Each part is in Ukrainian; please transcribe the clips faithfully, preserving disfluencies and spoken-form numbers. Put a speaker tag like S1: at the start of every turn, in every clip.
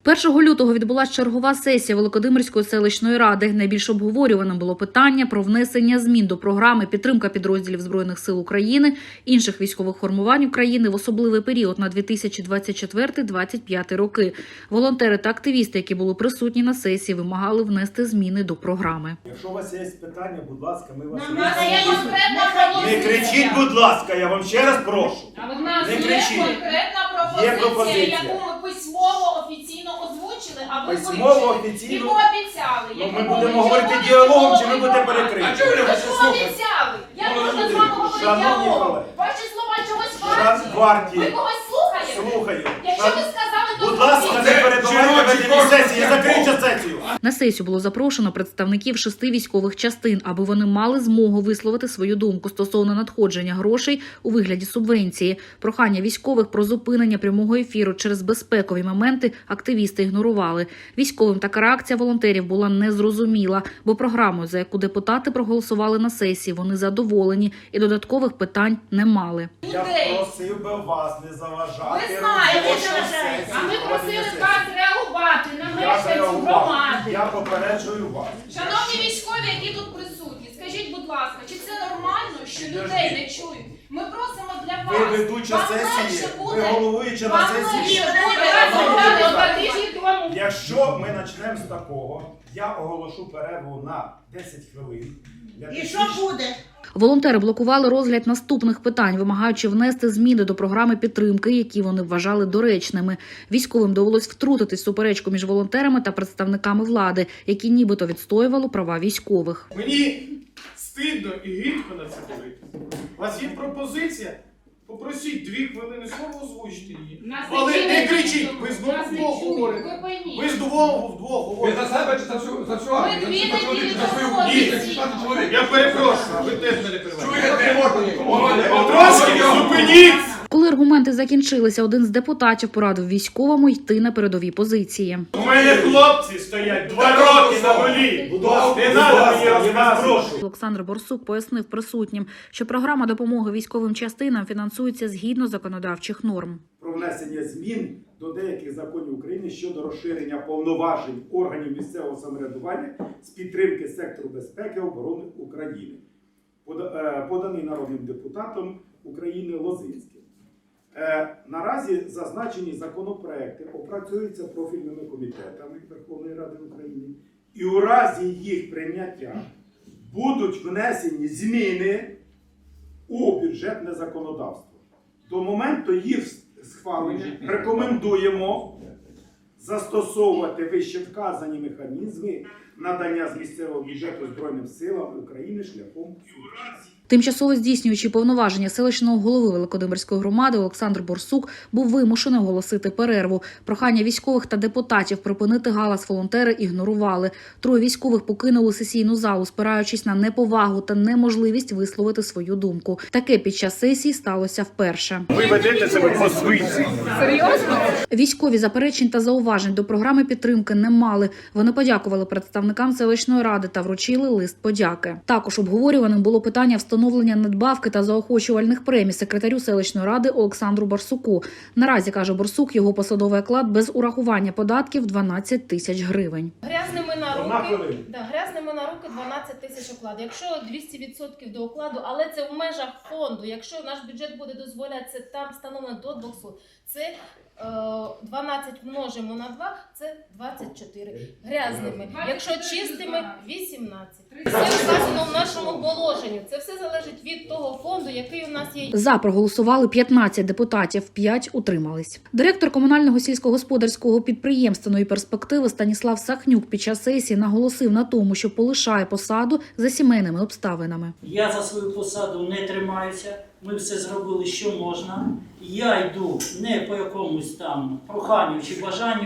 S1: першого лютого відбулася чергова сесія Великодимирської селищної ради. Найбільш обговорюваним було питання про внесення змін до програми «Підтримка підрозділів Збройних сил України, інших військових формувань України в особливий період на дві тисячі двадцять четвертий - двадцять п'ятий роки». Волонтери та активісти, які були присутні на сесії, вимагали внести зміни до програми.
S2: Якщо у вас є питання, будь ласка, ми вас...
S3: Не
S2: Не кричіть, будь ласка, я вам ще раз прошу.
S3: А в нас
S2: Не
S3: є
S2: кричіть.
S3: конкретна
S2: Є
S3: пропозиція,
S2: пропозиція.
S3: яку ми письмово офіційно озвучили, а ви
S2: Письмово,
S3: вивчили
S2: офіційно?
S3: і пообіцяли.
S2: Ну,
S3: Яку
S2: ми
S3: ви
S2: будемо
S3: вчора
S2: говорити
S3: не
S2: діалогом, чи ви
S3: було
S2: будете
S3: відомо.
S2: перекриті?
S3: А чого ви
S2: Ви
S3: пообіцяли? Як можна з вами говорити
S2: Шановні
S3: діалогом?
S2: колеги.
S3: Ваші слова чогось
S2: Шан
S3: варті?
S2: варті.
S3: Ви когось слухаєте?
S2: Слухаю.
S3: Якщо ви сказали, то
S2: Будь ласка, не перебивайте ведення сесії, закрийте сесію.
S1: На сесію було запрошено представників шести військових частин, аби вони мали змогу висловити свою думку стосовно надходження грошей у вигляді субвенції. Прохання військових про зупинення прямого ефіру через безпекові моменти активісти ігнорували. Військовим така реакція волонтерів була незрозуміла, бо програмою, за яку депутати проголосували на сесії, вони задоволені і додаткових питань не мали.
S2: Я просив би вас не заважати.
S3: Ви знаєте,
S2: робочій
S3: що
S2: сесії,
S3: а ми
S2: проведення
S3: просили
S2: сесії.
S3: вас реагувати на
S2: Я
S3: мешканців
S2: реагував.
S3: громади.
S2: Я попереджую вас.
S3: Шановні військові, які тут присутні, скажіть, будь ласка, чи це нормально, що людей не чують? Ми просимо для вас.
S2: Ви ведуча
S3: Вам
S2: сесії,
S3: легше
S2: ви
S3: буде.
S2: головуюча на
S3: Вам
S2: сесії.
S3: легше буде. Два тижні тому.
S2: Якщо ми почнемо з такого, я оголошу перерву на десять хвилин. Для
S4: І що
S2: технічних-
S4: буде?
S1: Волонтери блокували розгляд наступних питань, вимагаючи внести зміни до програми підтримки, які вони вважали доречними. Військовим довелось втрутитись в суперечку між волонтерами та представниками влади, які нібито відстоювали права військових.
S5: Мені стидно і гидко на це дивитися. У вас є пропозиція? Попросіть дві хвилини слово, озвучте її.
S3: Нас
S5: Але
S3: не
S5: не
S3: чують.
S5: кричіть, ви знову
S3: Нас не
S5: вдвох
S3: чують.
S5: говорите.
S3: Ви пойміть.
S5: Ви ж двох вдвох
S6: Ви
S5: говорите.
S6: за себе чи за всю, за всю армію?
S3: дві
S6: За всю
S3: неділі
S6: чоловік, за свою
S3: тому
S6: дітей,
S3: офіційно.
S6: шістнадцять чоловік.
S5: Я перепрошую, ви теж мене перебиваєте.
S6: Чуєте? Не можна нікому.
S5: Трошки зупиніть!
S1: Коли аргументи закінчилися, один з депутатів порадив військовому йти на передові позиції.
S5: У мене хлопці стоять два роки на волі.
S2: Будь ласка,
S5: Не
S2: будь
S5: треба
S2: ласка,
S5: мені
S2: я вас
S5: розказувати.
S2: прошу.
S1: Олександр Борсук пояснив присутнім, що програма допомоги військовим частинам фінансується згідно законодавчих норм.
S2: Про внесення змін до деяких законів України щодо розширення повноважень органів місцевого самоврядування з підтримки сектору безпеки і оборони України, Пода- е, поданий народним депутатом України Лозинським. Е, Наразі зазначені законопроекти опрацюються профільними комітетами Верховної Ради України, і у разі їх прийняття будуть внесені зміни у бюджетне законодавство. До моменту їх схвалення рекомендуємо застосовувати вище вказані механізми надання з місцевого бюджету Збройним силам України шляхом субвенцій.
S1: Тимчасово здійснюючи повноваження селищного голови Великодимирської громади Олександр Борсук був вимушений оголосити перерву. Прохання військових та депутатів припинити галас волонтери ігнорували. Троє військових покинули сесійну залу, спираючись на неповагу та неможливість висловити свою думку. Таке під час сесії сталося вперше.
S5: Ви ведете себе по свиці.
S1: Військові заперечень та зауважень до програми підтримки не мали. Вони подякували представникам селищної ради та вручили лист подяки. Також обговорюваним було питання встановлення надбавки та заохочувальних премій секретарю селищної ради Олександру Барсуку. Наразі, каже Борсук, його посадовий оклад без урахування податків дванадцять тисяч гривень.
S7: Грязними на
S2: Одна
S7: руки,
S2: хвилина.
S7: да, грязними на руки дванадцять тисяч окладу. Якщо двісті відсотків до окладу, але це в межах фонду. Якщо наш бюджет буде дозволяти, це там встановлено до двохсот. Це е, дванадцять множимо на два, це двадцять чотири. Грязними. Якщо чистими – вісімнадцять. Це вказано в нашому положенні. Це все залежить від того фонду, який у нас є.
S1: За проголосували п'ятнадцять депутатів, п'ять утримались. Директор комунального сільськогосподарського підприємства «Нові перспективи» Станіслав Сахнюк під час сесії наголосив на тому, що полишає посаду за сімейними обставинами.
S8: Я за свою посаду не тримаюся, ми все зробили, що можна. Я йду не по якомусь там проханню чи бажанню,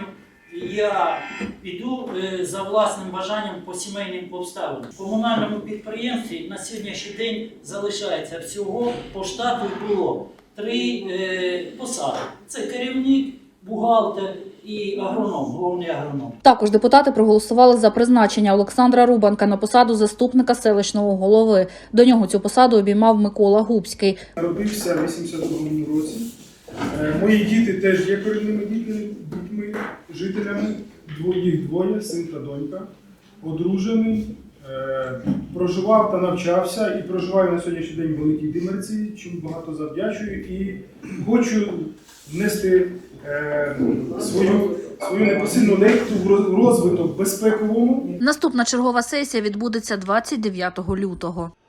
S8: я йду е, за власним бажанням по сімейним обставинам. В комунальному підприємстві на сьогоднішній день залишається всього, по штату було три е, посади. Це керівник, бухгалтер і агроном, головний агроном.
S1: Також депутати проголосували за призначення Олександра Рубанка на посаду заступника селищного голови. До нього цю посаду обіймав Микола Губський.
S9: Народився в вісімдесят другому році. Е, Мої діти теж є корінними дітьми, дітьми
S4: жителями, дво- їх двоє, син та донька, одружений, е, проживав та навчався і проживає на сьогоднішній день в Великій Димерці, чому багато завдячую, і хочу внести е, свою, свою непосильну лепту в роз- в розвиток безпековому.
S1: Наступна чергова сесія відбудеться двадцять дев'ятого лютого.